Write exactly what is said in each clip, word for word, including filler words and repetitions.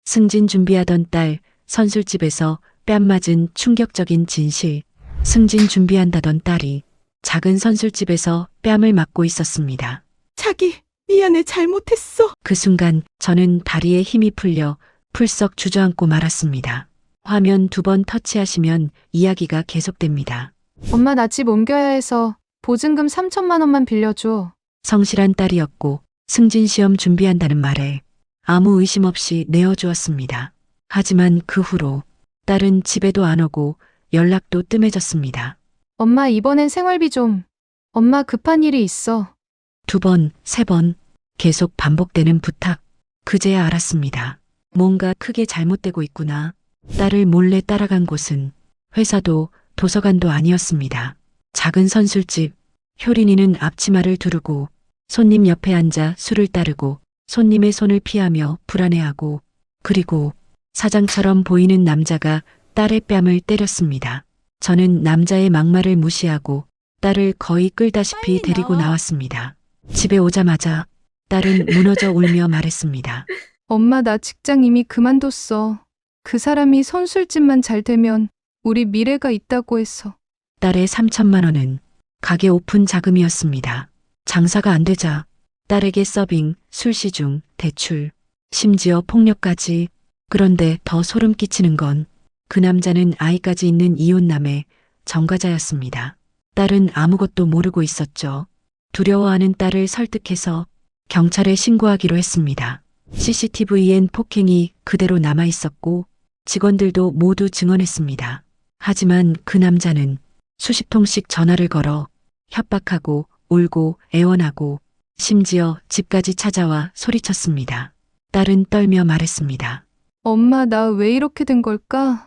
승진 준비하던 딸, 선술집에서 뺨 맞은 충격적인 진실. 승진 준비한다던 딸이 작은 선술집에서 뺨을 맞고 있었습니다. 자기, 미안해, 잘못했어. 그 순간 저는 다리에 힘이 풀려 풀썩 주저앉고 말았습니다. 화면 두 번 터치하시면 이야기가 계속됩니다. 엄마 나 집 옮겨야 해서 보증금 삼천만 원만 빌려줘. 성실한 딸이었고 승진 시험 준비한다는 말에 아무 의심 없이 내어주었습니다. 하지만 그 후로 딸은 집에도 안 오고 연락도 뜸해졌습니다. 엄마 이번엔 생활비 좀. 엄마 급한 일이 있어. 두 번, 세 번 계속 반복되는 부탁. 그제야 알았습니다. 뭔가 크게 잘못되고 있구나. 딸을 몰래 따라간 곳은 회사도 도서관도 아니었습니다. 작은 선술집. 효린이는 앞치마를 두르고 손님 옆에 앉아 술을 따르고 손님의 손을 피하며 불안해하고, 그리고 사장처럼 보이는 남자가 딸의 뺨을 때렸습니다. 저는 남자의 막말을 무시하고 딸을 거의 끌다시피 데리고 나왔습니다. 집에 오자마자 딸은 무너져 울며 말했습니다. 엄마 나 직장 이미 그만뒀어. 그 사람이 선술집만 잘 되면 우리 미래가 있다고 했어. 딸의 삼천만 원은 가게 오픈 자금이었습니다. 장사가 안 되자 딸에게 서빙, 술시중, 대출, 심지어 폭력까지. 그런데 더 소름 끼치는 건 그 남자는 아이까지 있는 이혼남의 전과자였습니다. 딸은 아무것도 모르고 있었죠. 두려워하는 딸을 설득해서 경찰에 신고하기로 했습니다. 씨씨티비엔 폭행이 그대로 남아 있었고 직원들도 모두 증언했습니다. 하지만 그 남자는 수십 통씩 전화를 걸어 협박하고 울고 애원하고 심지어 집까지 찾아와 소리쳤습니다. 딸은 떨며 말했습니다. 엄마 나 왜 이렇게 된 걸까?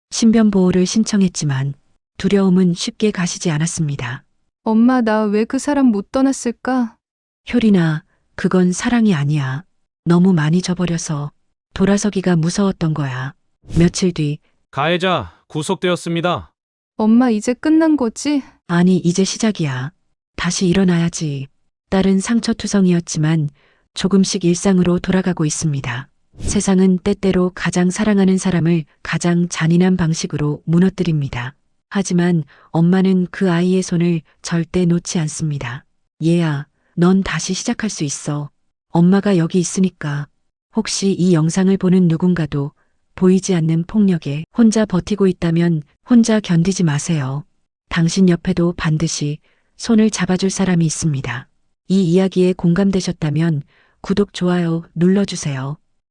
신변보호를 신청했지만 두려움은 쉽게 가시지 않았습니다. 엄마 나 왜 그 사람 못 떠났을까? 효린아, 그건 사랑이 아니야. 너무 많이 져버려서 돌아서기가 무서웠던 거야. 며칠 뒤, 가해자 구속되었습니다. 엄마 이제 끝난 거지? 아니 이제 시작이야. 다시 일어나야지. 딸은 상처투성이었지만 조금씩 일상으로 돌아가고 있습니다. 세상은 때때로 가장 사랑하는 사람을 가장 잔인한 방식으로 무너뜨립니다. 하지만 엄마는 그 아이의 손을 절대 놓지 않습니다. 얘야, 넌 다시 시작할 수 있어. 엄마가 여기 있으니까. 혹시 이 영상을 보는 누군가도 보이지 않는 폭력에 혼자 버티고 있다면 혼자 견디지 마세요. 당신 옆에도 반드시 손을 잡아줄 사람이 있습니다. 이 이야기에 공감되셨다면 구독, 좋아요 눌러주세요.